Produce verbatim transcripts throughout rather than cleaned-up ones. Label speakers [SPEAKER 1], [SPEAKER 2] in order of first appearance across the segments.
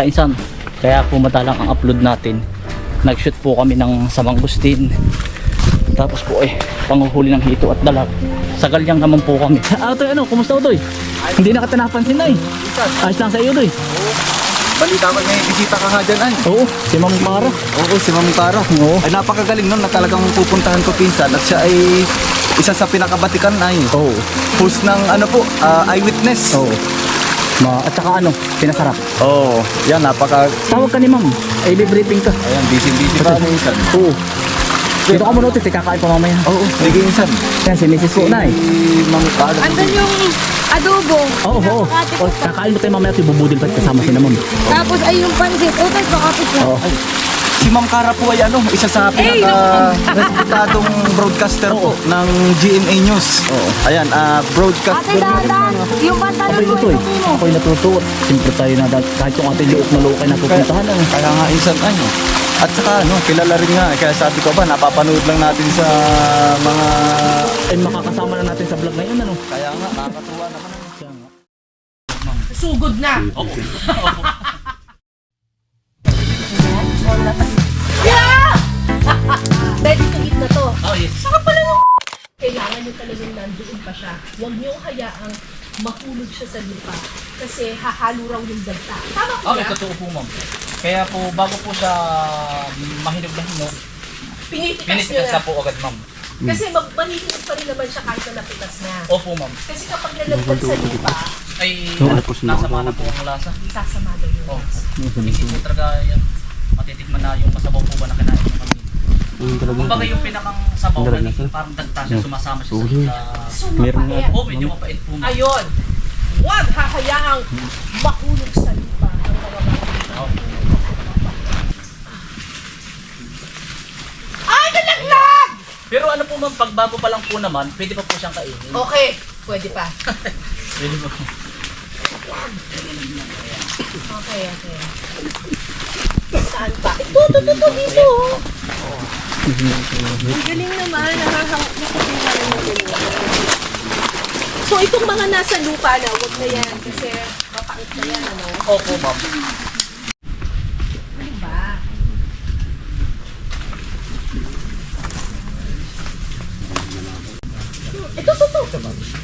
[SPEAKER 1] kainsan. Kaya po madalang ang upload natin. Nag-shoot po kami ng sa mangustin. Tapos po eh, panguhuli ng hito at dalag. Sa galyang naman po kami. Ah, Utoy, ano? Kumusta, Utoy? Hindi na kita napansin na eh. Ayos lang sa iyo, Utoy.
[SPEAKER 2] Balita ko may bisita ka nga dyan ay.
[SPEAKER 1] Oo, si Ma'am Para.
[SPEAKER 2] Oo, si Ma'am Tara.
[SPEAKER 1] Oo.
[SPEAKER 2] Ay napakagaling nun na talagang pupuntahan ko pinsan at siya ay isa sa pinakabatikan ay.
[SPEAKER 1] Oo.
[SPEAKER 2] Host ng ano po, ah, eyewitness.
[SPEAKER 1] Oo. Ma at saka ano, pinasarap.
[SPEAKER 2] Oo. Yan, napaka...
[SPEAKER 1] Tawag ka ni Ma'am. Ay, briefing ka.
[SPEAKER 2] Ayan, busy-busy pa minsan.
[SPEAKER 1] Oo. Dito ka muna, Utoy. Kakain pa mamaya.
[SPEAKER 2] Oo, sige minsan.
[SPEAKER 1] Yan, si Missus po na eh.
[SPEAKER 2] Si Ma'am Tara.
[SPEAKER 3] Andun yung adobo.
[SPEAKER 1] Oo, oo. O, kakain mo tayo mamaya. Ibubudil pa kasama si Ma'am.
[SPEAKER 3] Tapos ay yung pansit. O, tayo pakapit na.
[SPEAKER 1] Oo.
[SPEAKER 2] Si Ma'am Cara po ay ano, isa sa pinaka-reputadong broadcaster po ng G M A News. Oo. Ayan, ah, broadcaster.
[SPEAKER 3] Ate Dadan, yung pantalon
[SPEAKER 1] Ako'y
[SPEAKER 3] mo,
[SPEAKER 1] Utoy.
[SPEAKER 3] isukin mo.
[SPEAKER 1] Ako'y natutuwa. Siyempre tayo na dahil kahit yung ating liok na luok ay napupuntahan. Ano.
[SPEAKER 2] Kaya nga insan ano. At saka ano, kilala rin nga. Kaya sabi ko ba, napapanood lang natin sa mga...
[SPEAKER 1] Ay, makakasama na natin sa vlog na yun. Ano.
[SPEAKER 2] Kaya nga, nakakatuwa naman. Ano.
[SPEAKER 1] Kaya nga.
[SPEAKER 3] Sugod na.
[SPEAKER 1] Oo.
[SPEAKER 3] Yeah! Ready to eat na to.
[SPEAKER 1] Oh, yes.
[SPEAKER 3] Saka pala yung kailangan nyo talagang nandoon pa siya. Huwag nyo hayaang mahulog siya sa lupa. Kasi hahalo raw yung dagta. Tama ko
[SPEAKER 1] Okay,
[SPEAKER 3] ba?
[SPEAKER 1] totoo po, Ma'am. Kaya po, bago po siya mahinog na hinog,
[SPEAKER 3] Pinitikas nyo
[SPEAKER 1] pinitikas
[SPEAKER 3] na.
[SPEAKER 1] na po agad, Ma'am.
[SPEAKER 3] Kasi mag manihinog pa rin naman siya kahit na napitas na.
[SPEAKER 1] Opo, Ma'am.
[SPEAKER 3] Kasi kapag nalagdag sa lupa,
[SPEAKER 1] Ay, nasa mana po ang lasa.
[SPEAKER 3] sasama daw yung
[SPEAKER 1] Oh,
[SPEAKER 3] lasa.
[SPEAKER 1] hindi po talaga yan. Matitikman na yung masabaw po ba na kinain ng kami. Kumbaga yung pinakang sabaw na naging parang dagta siya, sumasama siya sa...
[SPEAKER 3] So, mapait.
[SPEAKER 1] Oh, medyo mapait po, Ma'am.
[SPEAKER 3] Ayun. Huwag hahayaang mahulog sa lupa ang mga mga.
[SPEAKER 1] Oh.
[SPEAKER 3] Ay, nalaglag!
[SPEAKER 1] Pero ano po, Ma'am, pag bago pa lang po naman, pwede pa po siyang kainin.
[SPEAKER 3] Okay, pwede pa.
[SPEAKER 1] Pwede po.
[SPEAKER 3] Okay, okay. Saan pa? Ito, ito, ito, ito, dito. Ang galing naman. Nakahang, nakakuha na yung galing. So, itong mga nasa lupa na, huwag na yan. Kasi mapait na yan, ano?
[SPEAKER 1] Opo, Ma'am.
[SPEAKER 3] Ano ba? Ito, ito, ito.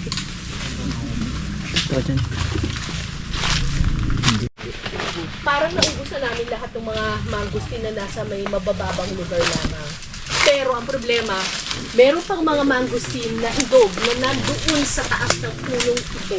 [SPEAKER 3] Parang naubusan namin lahat ng mga mangustin na nasa may mabababang lugar lamang. Pero ang problema, meron pang mga mangustin na hidog na nandoon sa taas ng punong ito.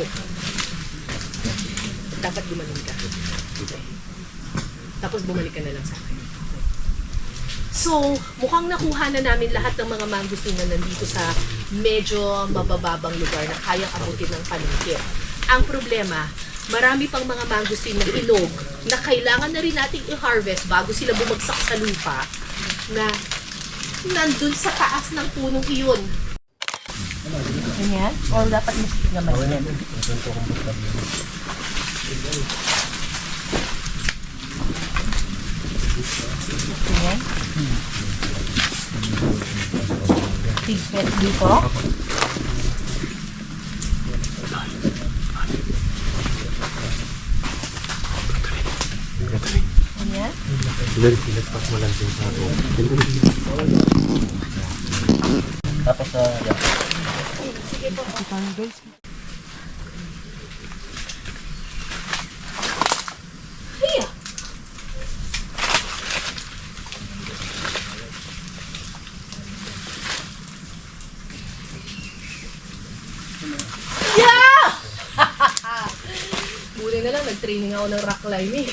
[SPEAKER 3] Dapat gumaling ka. Tapos bumalik ka na lang sa akin. So, mukhang nakuha na namin lahat ng mga mangustin na nandito sa medyo mabababang lugar na kayang abutin ng paningkit. Ang problema, marami pang mga mangustin na ilog na kailangan na rin nating i-harvest bago sila bumagsak sa lupa na nandun sa taas ng punong iyon. Ganyan? Or dapat mas naman yan? Ganyan? Tigpet dito? Ganyan?
[SPEAKER 1] Tapos, uh, yan.
[SPEAKER 3] Sige po. Hiya! Yeah! Buti na lang, nag-training ako ng rock climbing.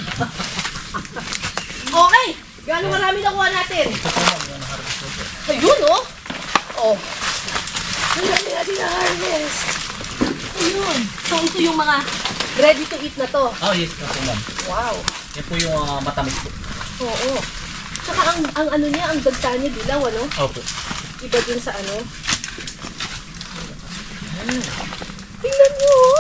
[SPEAKER 3] Okay! Gano'ng marami nakuha natin? Ayun, oh! Oh. Ang dami natin na harvest. Ayun. So, ito yung mga ready to eat na to.
[SPEAKER 1] Oh, yes, opo, Ma'am.
[SPEAKER 3] Wow.
[SPEAKER 1] Yan po yung uh, matamis po.
[SPEAKER 3] Oo. Tsaka ang, ang ano niya, ang dagta niya dilaw, ano?
[SPEAKER 1] Opo.
[SPEAKER 3] Iba dun sa ano. Tingnan niyo, oh.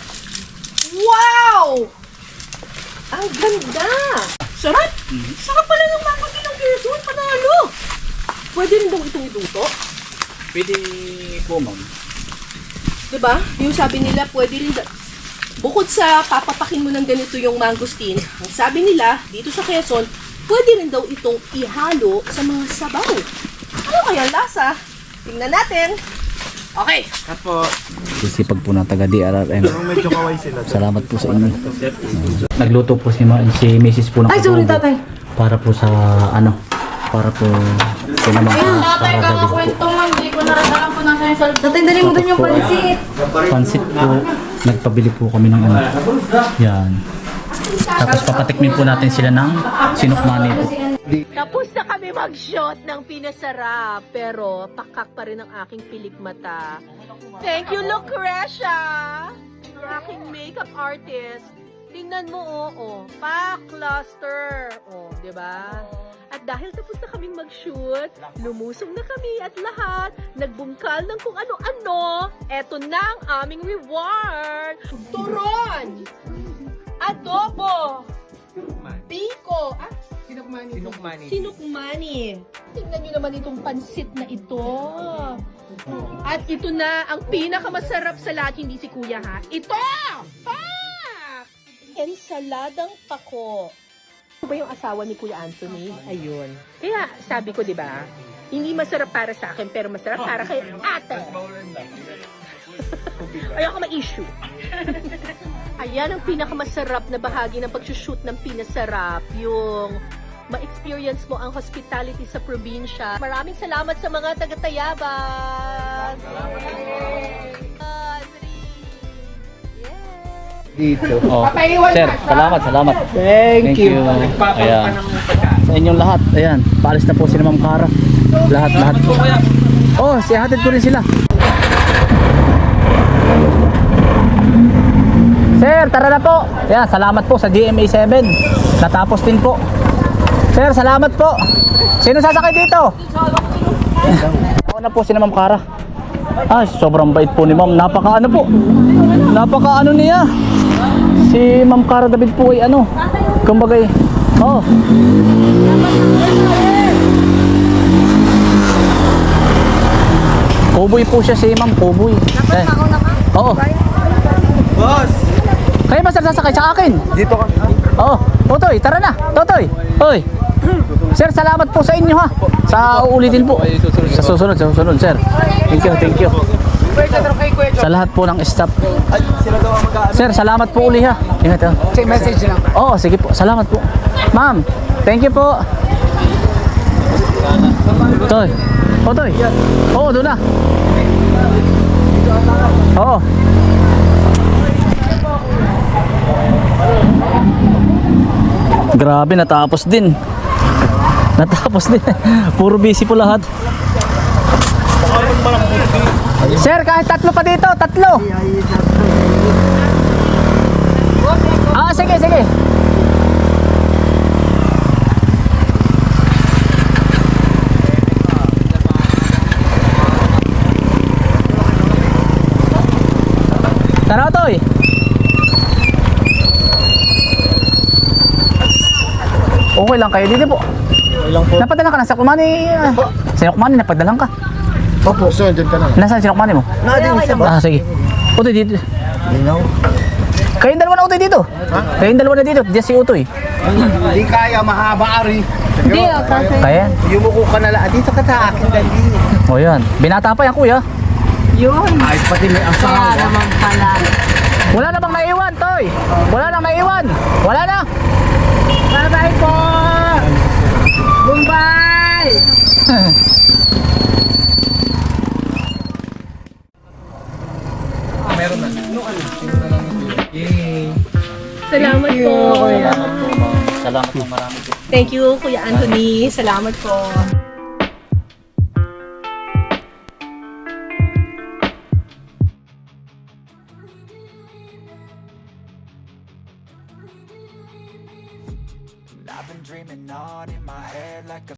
[SPEAKER 3] Wow! Ang ganda! Sarap! Sarap pala ng mango ng Quezon, panalo! Pwede rin daw itong iluto.
[SPEAKER 1] Pwede po, Ma'am.
[SPEAKER 3] Diba? Yung sabi nila, pwede rin da- Bukod sa papapakin mo ng ganito yung mangosteen, ang sabi nila, dito sa Quezon, pwede rin daw itong ihalo sa mga sabaw. Ano kaya ang lasa? Tingnan natin. Okay.
[SPEAKER 2] Apo.
[SPEAKER 1] Sisipag po ng taga D R R M.
[SPEAKER 2] Medyo kaway sila.
[SPEAKER 1] Salamat po sa inyo. Nagluto po si, Ma- si Missus po ng
[SPEAKER 4] Ay, sorry,
[SPEAKER 1] adobo
[SPEAKER 4] tatay.
[SPEAKER 1] para po sa ano, para po pinamang
[SPEAKER 4] Tatay,
[SPEAKER 1] para David po.
[SPEAKER 4] kakakwento mo. Hindi ko narasalan po nasa yung salita. Tatay, dali mo dun yung
[SPEAKER 1] Tapos po,
[SPEAKER 4] pansit.
[SPEAKER 1] Pansit po, nagpabili po kami ng ano. Yan. Tapos papatikmin po natin sila ng sinukmani po.
[SPEAKER 3] Tapos na kami mag-shot ng pinasarap, pero pakak pa rin ang aking pilik mata. Thank you, Lucretia! Ang aking makeup artist. Tingnan mo, oo, oh, pa-cluster. Oh, di ba? At dahil tapos na kaming mag-shoot, lumusong na kami at lahat, nagbungkal ng kung ano-ano. Eto na ang aming reward! Turon! Adobo! Biko! Ah, Sinukmani. Sinukmani. Sinukmani. Tingnan nyo naman itong pansit na ito. At ito na ang pinakamasarap sa lahat, hindi si Kuya ha. Ito! Ah! Ensaladang pako. Ito ba yung asawa ni Kuya Anthony? Ayun. Kaya sabi ko, di ba, hindi masarap para sa akin, pero masarap para kay ate. Ayoko ma-issue. Ayan ang pinakamasarap na bahagi ng pag-shoot ng pinasarap. Yung ma-experience mo ang hospitality sa probinsya. Maraming salamat sa mga taga-Tayabas!
[SPEAKER 2] Dito.
[SPEAKER 1] Oh. Sir, salamat, salamat. Thank, you. Ayan. Sa inyong lahat. Ayan, paalis na po si Ma'am Cara. Lahat, lahat. Oh, si hatid ko rin sila. Sir, tara na po. Ayan, salamat po sa G M A seven. Natapos din po. Sir, salamat po. Sino sasakay dito? Ako na po si Ma'am Cara. Ay, sobrang bait po ni Ma'am. Napaka ano po. Napaka ano niya. Si Ma'am Cara David po ay ano. Kumbagay. Oh. Kuboy po siya si Ma'am, kuboy. Eh. Oo.
[SPEAKER 2] Boss!
[SPEAKER 1] Kayo ba sir sasakay sa akin?
[SPEAKER 2] Dito ka.
[SPEAKER 1] Oo. Totoy, tara na. Totoy. Hoy. Sir, salamat po sa inyo ha. Sa uulitin po. Sa susunod, sa susunod, sir. Thank you, thank you. Sa lahat po ng staff.
[SPEAKER 2] Ay, sila daw ang mag-aano.
[SPEAKER 1] Sir, salamat po uli ha. Ingat ha.
[SPEAKER 4] Say message lang.
[SPEAKER 1] Oo, sige po. Salamat po. Ma'am, thank you po. Toy. Oh, Toy. Oo, doon na. Oo. Grabe, natapos din. Natapos din. Puro busy po lahat. Sir, kahit tatlo pa dito, tatlo. Ah, sige, sige. Tara, Toy. Okay lang kayo dito po.
[SPEAKER 2] Okay lang po.
[SPEAKER 1] Napadala ka na sa kumani. Uh, sinukmani, napadalang ka.
[SPEAKER 2] Opo, so dyan ka na.
[SPEAKER 1] Nasaan sinukmani mo?
[SPEAKER 2] Nadin isa ba?
[SPEAKER 1] Ah, sige. Utoy dito.
[SPEAKER 2] Linaw.
[SPEAKER 1] Kayong dalawa na Utoy dito. Kayong dalawa na dito. Diyan si Utoy.
[SPEAKER 2] Hindi kaya, mahaba ari.
[SPEAKER 4] Hindi, oh, kasi.
[SPEAKER 1] Kaya?
[SPEAKER 2] Yumuko ka na lang. Dito ka sa akin, dali.
[SPEAKER 1] O yan. Binata pa yan kuya.
[SPEAKER 4] Yun.
[SPEAKER 2] Ay, pati may
[SPEAKER 4] Kaya
[SPEAKER 2] asawa.
[SPEAKER 4] naman pala.
[SPEAKER 1] Wala na bang naiwan, Toy? Wala na naiwan. Wala na.
[SPEAKER 4] Bye-bye po! Bye!
[SPEAKER 3] Salamat po.
[SPEAKER 1] Salamat po marami po.
[SPEAKER 3] Thank you, Kuya Anthony. Salamat po.
[SPEAKER 5] I've been dreaming on in my head like a